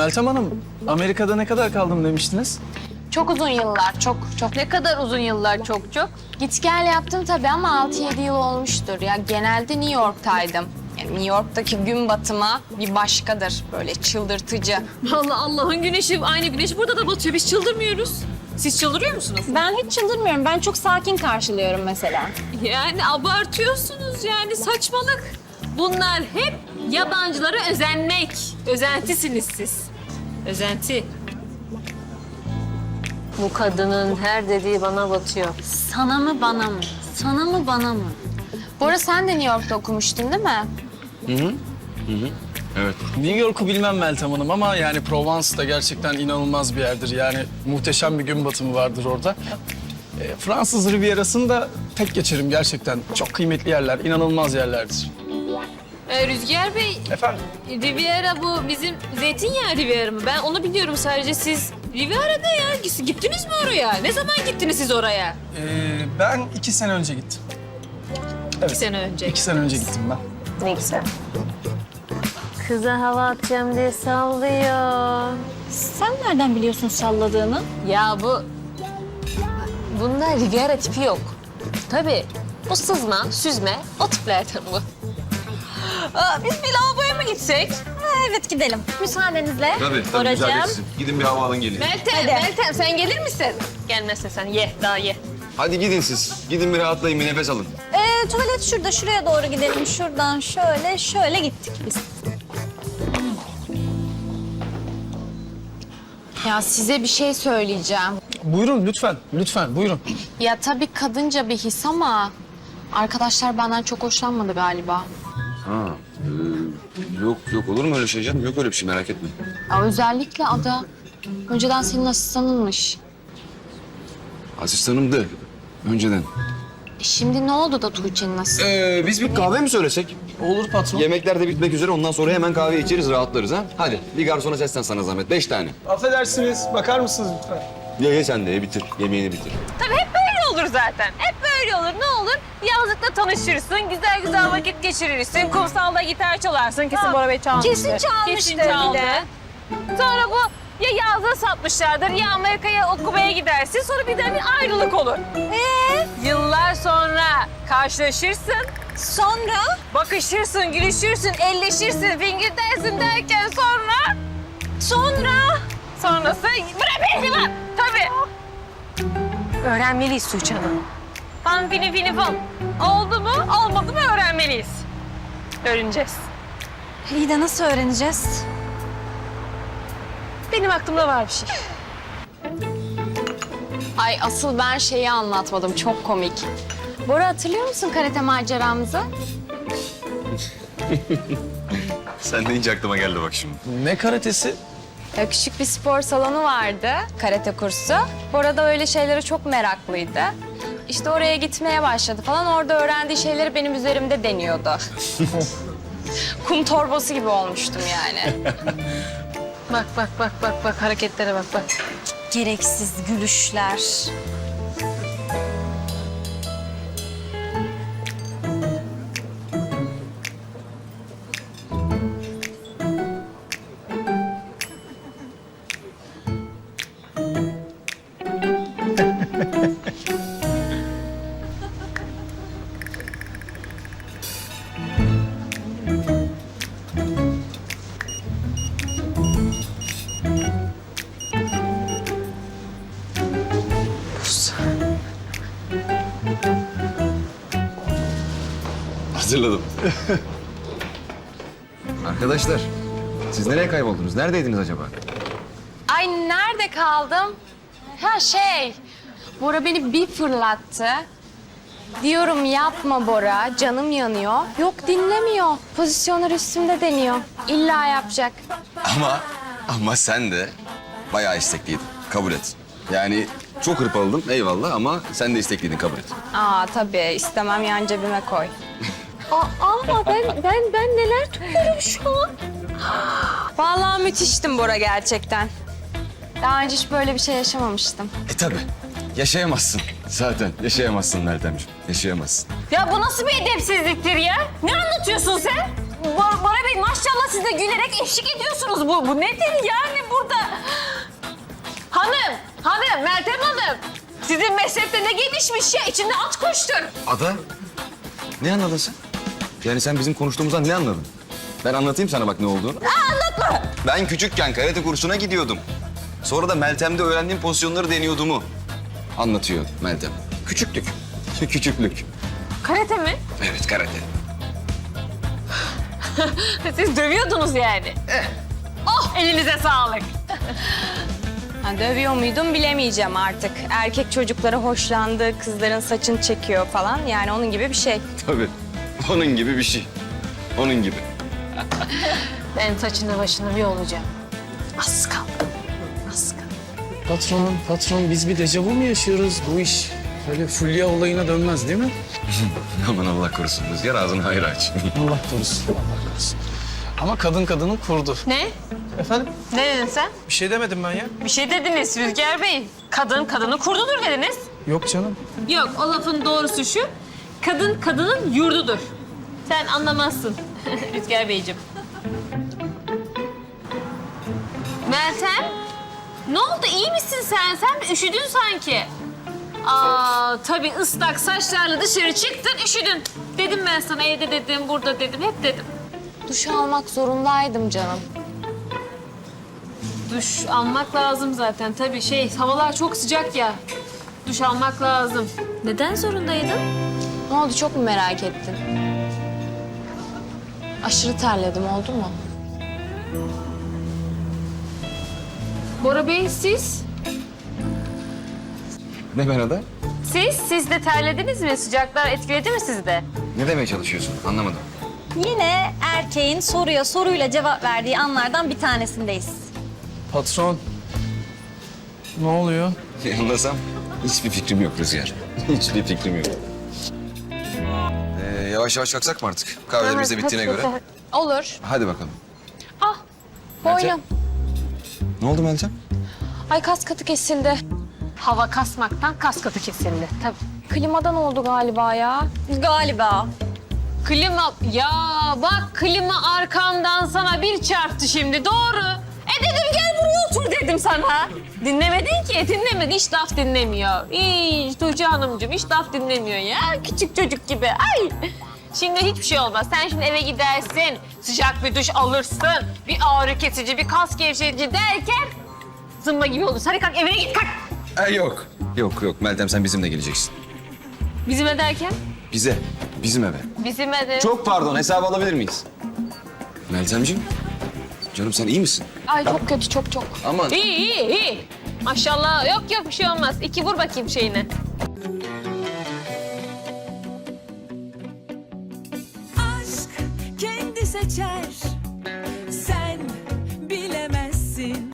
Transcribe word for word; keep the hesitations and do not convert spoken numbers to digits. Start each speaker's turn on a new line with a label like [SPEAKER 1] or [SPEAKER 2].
[SPEAKER 1] Meltem Hanım, Amerika'da ne kadar kaldım demiştiniz?
[SPEAKER 2] Çok uzun yıllar, çok çok.
[SPEAKER 3] Ne kadar uzun yıllar çok çok.
[SPEAKER 2] Git gel yaptım tabii ama altı yedi yıl olmuştur. Ya genelde New York'taydım. Yani New York'taki gün batımı bir başkadır. Böyle çıldırtıcı.
[SPEAKER 3] Allah Allah'ın güneşi, aynı güneş burada da batıyor. Biz çıldırmıyoruz. Siz çıldırıyor musunuz?
[SPEAKER 2] Ben hiç çıldırmıyorum. Ben çok sakin karşılıyorum mesela.
[SPEAKER 3] Yani abartıyorsunuz yani saçmalık. Bunlar hep yabancılara özenmek. Özentisiniz siz. Özenti.
[SPEAKER 4] Bu kadının her dediği bana batıyor.
[SPEAKER 2] Sana mı bana mı? Sana mı bana mı? Bora sen de New York'ta okumuştun değil mi?
[SPEAKER 1] Evet. New York'u bilmem Meltem Hanım ama yani Provence da gerçekten inanılmaz bir yerdir. Yani muhteşem bir gün batımı vardır orada. E, Fransız Riviera'sını da tek geçerim gerçekten. Çok kıymetli yerler, inanılmaz yerlerdir.
[SPEAKER 3] Ee, Rüzgar Bey,
[SPEAKER 1] Efendim?
[SPEAKER 3] Riviera bu bizim zeytinyağı Riviera mı? Ben onu biliyorum sadece. Siz Riviera'da ya. Gittiniz mi oraya? Ne zaman gittiniz siz oraya?
[SPEAKER 1] E, ben iki sene önce gittim. Evet.
[SPEAKER 3] İki sene önce.
[SPEAKER 1] İki sene önce gittim ben.
[SPEAKER 4] Ne güzel. Kıza hava atacağım diye sallıyor.
[SPEAKER 2] Sen nereden biliyorsun salladığını?
[SPEAKER 4] Ya bu... Bunda Riviera tipi yok. Tabii. Bu sızma, süzme, o tiplerden bu. Aa, biz bir lavaboya mı gitsek?
[SPEAKER 2] Evet gidelim. Müsaadenizle.
[SPEAKER 5] Tabii tabii
[SPEAKER 4] Oracığım.
[SPEAKER 5] güzel geçsin. Gidin bir hava alın gelin.
[SPEAKER 3] Meltem, Meltem sen gelir misin?
[SPEAKER 4] Gelmezse sen ye, daha ye.
[SPEAKER 5] Hadi gidin siz. Gidin bir rahatlayın, bir nefes alın.
[SPEAKER 6] Ee, tuvalet şurada, şuraya doğru gidelim. Şuradan şöyle, şöyle gittik biz.
[SPEAKER 2] Ya size bir şey söyleyeceğim.
[SPEAKER 1] Buyurun lütfen, lütfen buyurun.
[SPEAKER 2] Ya tabii kadınca bir his ama arkadaşlar benden çok hoşlanmadı galiba.
[SPEAKER 5] Ha, e, yok yok olur mu öyle şey canım? Yok öyle bir şey, merak etme.
[SPEAKER 2] Ya özellikle Ada. Önceden senin asistanınmış.
[SPEAKER 5] Asistanımdı önceden.
[SPEAKER 2] E şimdi ne oldu da Tuğçe'nin asistanı?
[SPEAKER 5] Ee, biz bir kahve mi söylesek?
[SPEAKER 1] Olur patron.
[SPEAKER 5] Yemekler de bitmek üzere, ondan sonra hemen kahve içeriz, rahatlarız ha. Hadi bir garsona seslen sana zahmet, beş tane.
[SPEAKER 1] Affedersiniz, bakar mısınız lütfen?
[SPEAKER 5] Ye ye sen de ye, bitir, yemeğini bitir.
[SPEAKER 3] Tabii hep böyle olur zaten. Hep böyle olur. Ne olur? Yazlıkta tanışırsın, güzel güzel vakit geçirirsin. Kumsalda gitar çalarsın. Kesin Bora Bey çalmıştır.
[SPEAKER 6] Kesin çalmıştır
[SPEAKER 3] Kesin
[SPEAKER 6] bir
[SPEAKER 3] çaldı.
[SPEAKER 6] de.
[SPEAKER 3] Sonra bu ya yazlığı satmışlardır ya Amerika'ya okumaya gidersin. Sonra birden bir ayrılık olur. Ee? Yıllar sonra karşılaşırsın.
[SPEAKER 6] Sonra?
[SPEAKER 3] Bakışırsın, gülüşürsün, elleşirsin, fingir dersin derken sonra... Sonra? Sonrası... Bırak beni lan! Tabii. Öğrenmeliyiz Tuğçe Hanım. Fan fini fini fan. Oldu mu, olmadı mı öğrenmeliyiz. Öğreneceğiz.
[SPEAKER 6] İyi de nasıl öğreneceğiz?
[SPEAKER 3] Benim aklımda var bir şey.
[SPEAKER 2] Ay asıl ben şeyi anlatmadım. Çok komik. Bora hatırlıyor musun karate maceramızı?
[SPEAKER 5] Sen deyince aklıma geldi bak şimdi.
[SPEAKER 1] Ne karatesi?
[SPEAKER 2] Ya küçük bir spor salonu vardı, karate kursu. Bora da öyle şeylere çok meraklıydı. İşte oraya gitmeye başladı falan. Orada öğrendiği şeyleri benim üzerimde deniyordu. Kum torbası gibi olmuştum yani.
[SPEAKER 3] Bak bak bak bak bak hareketlere bak bak.
[SPEAKER 6] Gereksiz gülüşler.
[SPEAKER 5] Hazırladım. Arkadaşlar, siz nereye kayboldunuz? Neredeydiniz acaba?
[SPEAKER 2] Ay nerede kaldım? Ha şey, Bora beni bir fırlattı. Diyorum yapma Bora, canım yanıyor. Yok dinlemiyor. Pozisyonlar üstümde deniyor. İlla yapacak.
[SPEAKER 5] Ama, ama sen de bayağı istekliydin. Kabul et. Yani çok hırpaladım eyvallah ama sen de istekliydin, kabul et.
[SPEAKER 2] Aa tabii istemem yan cebime koy.
[SPEAKER 4] Aa, ben, ben, ben neler tutuyorum şu an?
[SPEAKER 2] Vallahi müthiştim Bora gerçekten. Daha önce hiç böyle bir şey yaşamamıştım.
[SPEAKER 5] E tabii. Yaşayamazsın. Zaten yaşayamazsın Meltemciğim. Yaşayamazsın.
[SPEAKER 3] Ya bu nasıl bir edepsizliktir ya? Ne anlatıyorsun sen?
[SPEAKER 4] Bor Bora Bey maşallah siz de gülerek eşlik ediyorsunuz. Bu, bu nedir yani burada? Hanım, hanım, Meltem Hanım. Sizin meslekte ne gelişmiş ya? İçinde at koştur.
[SPEAKER 5] Ada, ne anladın sen? Yani sen bizim konuştuğumuzdan ne anladın? Ben anlatayım sana bak ne olduğunu.
[SPEAKER 4] Aa, anlatma.
[SPEAKER 5] Ben küçükken karate kursuna gidiyordum. Sonra da Meltem'de öğrendiğim pozisyonları deniyordumu anlatıyor Meltem. Küçüklük, küçüklük.
[SPEAKER 4] Karate mi?
[SPEAKER 5] Evet, karate.
[SPEAKER 4] Siz dövüyordunuz yani.
[SPEAKER 5] Eh.
[SPEAKER 4] Oh, elinize sağlık.
[SPEAKER 2] Ha, dövüyor muydum bilemeyeceğim artık. Erkek çocuklara hoşlandı, kızların saçını çekiyor falan. Yani onun gibi bir şey.
[SPEAKER 5] Tabii, onun gibi bir şey. Onun gibi.
[SPEAKER 4] Ben saçını başını bir olacağım. Az kaldı. Az kaldı.
[SPEAKER 1] Patron, patron biz bir dejavu mu yaşıyoruz? Bu iş böyle Fulya olayına dönmez değil mi?
[SPEAKER 5] Aman Allah korusun Rüzgar, ağzını hayır aç.
[SPEAKER 1] Allah korusun, Allah korusun. Ama kadın kadının kurdu.
[SPEAKER 4] Ne?
[SPEAKER 1] Efendim?
[SPEAKER 4] Ne dedin sen?
[SPEAKER 1] Bir şey demedim ben ya.
[SPEAKER 4] Bir şey dediniz Rüzgar Bey. Kadın kadını kurdudur dediniz.
[SPEAKER 1] Yok canım.
[SPEAKER 4] Yok, o lafın doğrusu şu. Kadın kadının yurdudur. Sen anlamazsın Rüzgar Beyciğim. Meltem, ne oldu? İyi misin sen? Sen üşüdün sanki. Aa, tabii ıslak saçlarla dışarı çıktın, üşüdün. Dedim ben sana, evde dedim, burada dedim, hep dedim.
[SPEAKER 2] Duş almak zorundaydım canım.
[SPEAKER 4] Duş almak lazım zaten. Tabii şey, havalar çok sıcak ya. Duş almak lazım. Neden zorundaydın?
[SPEAKER 2] Ne oldu, çok mu merak ettin? Aşırı terledim, oldu mu?
[SPEAKER 4] Bora Bey, siz?
[SPEAKER 5] Ne ben Ada?
[SPEAKER 4] Siz, siz de terlediniz mi? Sıcaklar etkiledi mi sizi de?
[SPEAKER 5] Ne demeye çalışıyorsun? Anlamadım.
[SPEAKER 6] Yine erkeğin soruya soruyla cevap verdiği anlardan bir tanesindeyiz.
[SPEAKER 1] Patron. Ne oluyor?
[SPEAKER 5] Anlasam hiçbir fikrim yok Rüzgar. Hiçbir fikrim yok. Ee, yavaş yavaş kalksak mı artık? Kahvelerimiz de bittiğine göre.
[SPEAKER 2] Olur.
[SPEAKER 5] Hadi bakalım.
[SPEAKER 2] Ah,
[SPEAKER 5] Meltem?
[SPEAKER 2] boynum.
[SPEAKER 5] Ne oldu Meltem?
[SPEAKER 2] Ay, kas katı kesildi.
[SPEAKER 4] Hava kasmaktan kas katı kesildi. Tabii.
[SPEAKER 2] Klimadan oldu galiba ya.
[SPEAKER 6] Galiba.
[SPEAKER 4] Klima, ya bak klima arkamdan sana bir çarptı şimdi, doğru. E dedim gel buraya otur dedim sana. Dinlemedin ki, dinlemedi, hiç laf dinlemiyor. Hiç Tuğçe Hanımcığım, hiç laf dinlemiyor ya, küçük çocuk gibi. Ay. Şimdi hiçbir şey olmaz. Sen şimdi eve gidersin, sıcak bir duş alırsın, bir ağrı kesici, bir kas gevşetici derken zımba gibi olursun. Hadi kalk, evine git, kalk.
[SPEAKER 5] Ee, yok. Yok yok Meltem sen bizimle geleceksin.
[SPEAKER 4] Bizim ev derken?
[SPEAKER 5] Bize. Bizim eve.
[SPEAKER 4] Bizim ev.
[SPEAKER 5] Çok pardon hesabı alabilir miyiz? Meltemciğim. Canım sen iyi misin?
[SPEAKER 2] Ay çok kötü, çok çok.
[SPEAKER 5] Aman.
[SPEAKER 4] İyi, iyi, iyi. Maşallah, yok yok bir şey olmaz. İki vur bakayım şeyine.
[SPEAKER 7] Aşk kendi seçer